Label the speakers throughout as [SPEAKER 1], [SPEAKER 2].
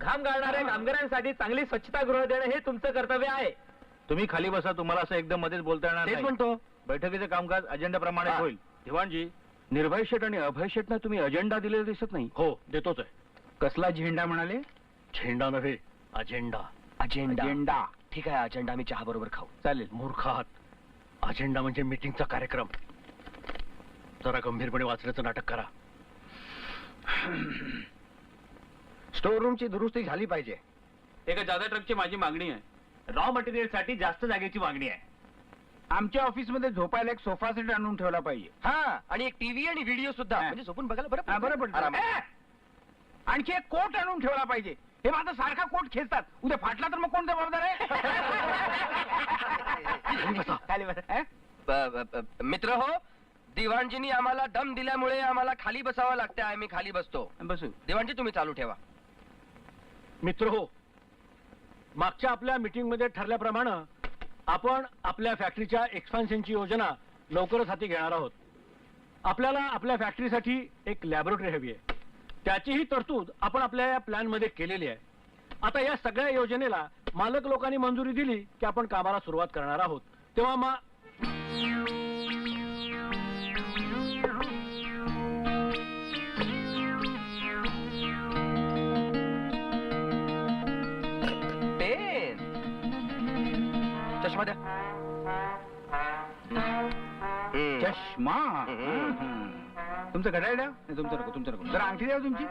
[SPEAKER 1] घाम गाळणाऱ्या कामगारांसाठी चांगली स्वच्छतागृह देणं हे तुमचं कर्तव्य आहे.
[SPEAKER 2] तुम्ही खाली बसा, तुम्हाला असं एकदम मध्येच बोलता येणार
[SPEAKER 1] तेच
[SPEAKER 2] नाही.
[SPEAKER 1] म्हणतो.
[SPEAKER 2] बैठकीचे कामकाज अजेंडाप्रमाणे
[SPEAKER 1] हा.
[SPEAKER 2] होईल. दिवाणजी.
[SPEAKER 3] निर्भय शेठ आणि अभय शेठना तुम्ही अजेंडा दिलेला दिसत नाही.
[SPEAKER 2] हो, देतोच आहे.
[SPEAKER 3] कसला झेंडा म्हणाले?
[SPEAKER 2] झेंडा नव्हे, अजेंडा.
[SPEAKER 3] अजेंडा.
[SPEAKER 1] ठीक आहे, अजेंडा आम्ही चहा बरोबर खाऊ.
[SPEAKER 3] चालेल.
[SPEAKER 2] मूर्ख आहात. अजेंडा म्हणजे मीटिंगचा कार्यक्रम. जरा गंभीरपणे वाचण्याचं नाटक करा.
[SPEAKER 3] स्टोर रूमची दुरुस्ती झाली पाहिजे.
[SPEAKER 2] एका जादा ट्रकची माझी मागणी आहे. रॉ मटेरियल साठी जास्त जागेची मागणी आहे.
[SPEAKER 3] आमच्या ऑफिसमध्ये झोपायला एक सोफा सेट आणून ठेवला पाहिजे.
[SPEAKER 1] हा, आणि एक टीव्ही आणि व्हिडिओ सुद्धा,
[SPEAKER 3] हा.
[SPEAKER 1] म्हणजे झोपून बघायला बरं
[SPEAKER 3] हा, बरं
[SPEAKER 1] पडतं.
[SPEAKER 3] पडतं.
[SPEAKER 1] आरामात.
[SPEAKER 3] आणखी एक कोट आणून ठेवला पाहिजे. हे माझा सारखा कोट खेचतात, उद्या फाटला तर मग कोण जबाबदार आहे?
[SPEAKER 1] खाली बसा.
[SPEAKER 3] अं?
[SPEAKER 1] मित्र हो, दिवाणजींनी आम्हाला दम दिल्यामुळे आम्हाला खाली बसावं लागतं. आम्ही खाली बसतो.
[SPEAKER 3] बसू.
[SPEAKER 1] दिवाणजी तुम्ही चालू ठेवा.
[SPEAKER 2] मित्र हो, मागच्या आपल्या मीटिंग मध्ये ठरल्याप्रमाणे आपण आपल्या फॅक्टरीच्या एक्सपान्शनची योजना लवकरच हाती घेणार आहोत. आपल्याला आपल्या फॅक्टरीसाठी एक लॅबोरेटरी हवी आहे. त्याचीही तरतूद आपण आपल्या या प्लॅन मध्ये केलेली आहे. आता या सगळ्या योजनेला मालक लोकांनी मंजुरी दिली की आपण कामाला सुरुवात करणार आहोत. तेव्हा
[SPEAKER 1] पेन, चष्मा द्या.
[SPEAKER 3] चष्मा. तुमचं घड्याळ द्या. नाही, तुमचं नको, तुमचं नको. जरा अंगठी द्या तुमची.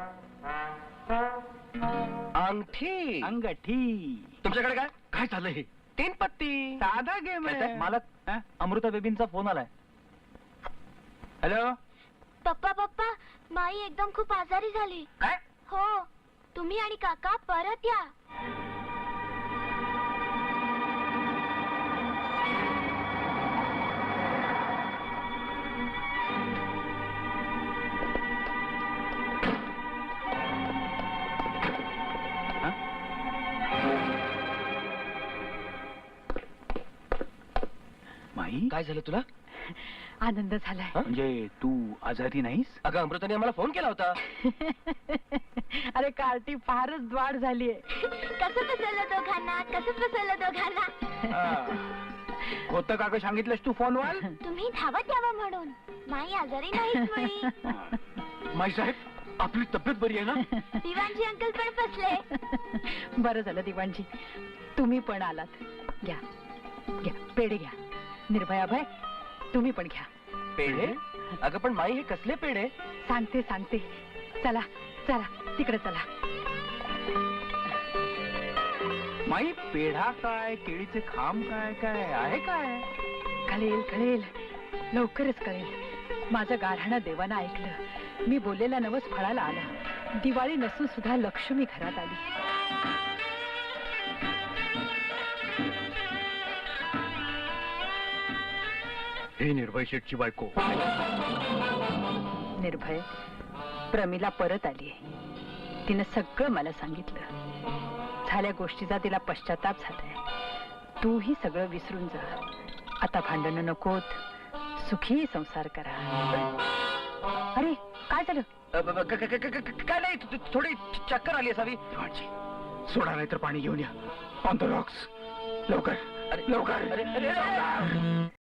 [SPEAKER 1] अंगठी.
[SPEAKER 3] अंगठी.
[SPEAKER 1] तुमच्याकडे काय?
[SPEAKER 2] काय झालंय हे?
[SPEAKER 1] 3 पत्ती.
[SPEAKER 3] साधा गेम आहे.
[SPEAKER 2] मालक,
[SPEAKER 3] हा?
[SPEAKER 2] अमृता बेबींचा फोन आलाय.
[SPEAKER 3] हॅलो.
[SPEAKER 4] पप्पा माई एकदम खूप आजारी झाली.
[SPEAKER 3] काय?
[SPEAKER 4] हो, तुम्ही आणि काका परत या.
[SPEAKER 3] माई,
[SPEAKER 1] काय झालं तुला?
[SPEAKER 5] आनंद झालाय.
[SPEAKER 3] म्हणजे तू आजारी नाहीस?
[SPEAKER 1] अगं, अमृताने आम्हाला फोन केला होता.
[SPEAKER 5] अरे कार्टी फारच द्वाड झालीये.
[SPEAKER 4] कसं फसवलं दोघांना.
[SPEAKER 3] होतं का ग, सांगितलंस तू फोनवर?
[SPEAKER 4] तुम्ही धावत यावं म्हणून. माई आजारी नाहीच मुळी.
[SPEAKER 2] माई साहेब, आपली तब्येत बरी आहे ना?
[SPEAKER 4] दिवाणजी अंकल पण फसले.
[SPEAKER 5] बरं झालं दिवाणजी, तुम्ही पण आलात. घ्या घ्या, पेढे घ्या. निर्भया भाई, तुम्ही पण घ्या.
[SPEAKER 1] पेढे? अगं पण माई, हे कसले पेढे?
[SPEAKER 5] सांगते. चला चला, तिकडे चला.
[SPEAKER 3] माई, पेढा काय, केळीचे खांब काय, काय आहे काय?
[SPEAKER 5] कळेल, लवकरच कळेल. माझं गारहाणं देवानं ऐकलं. मी बोललेला नवस फळाला आला. दिवाळी नसून सुद्धा लक्ष्मी घरात आली.
[SPEAKER 2] हे निर्भय शेठची बायको.
[SPEAKER 5] निर्भय, प्रमिला परत आलीये. तिनं सगळं मला सांगितलं. झाल्या गोष्टीचा तिला पश्चाताप झालाय. तूही सगळं विसरून जा. आता भांडणं नकोत, सुखी संसार करा. अरे काय झालं?
[SPEAKER 1] काय नाही, थोडी चक्कर आली असावी.
[SPEAKER 3] सोडा नाही तर पाणी घेऊन या. On the rocks. लवकर.
[SPEAKER 1] अरे,
[SPEAKER 3] लवकर.
[SPEAKER 1] अरे, अरे, अरे.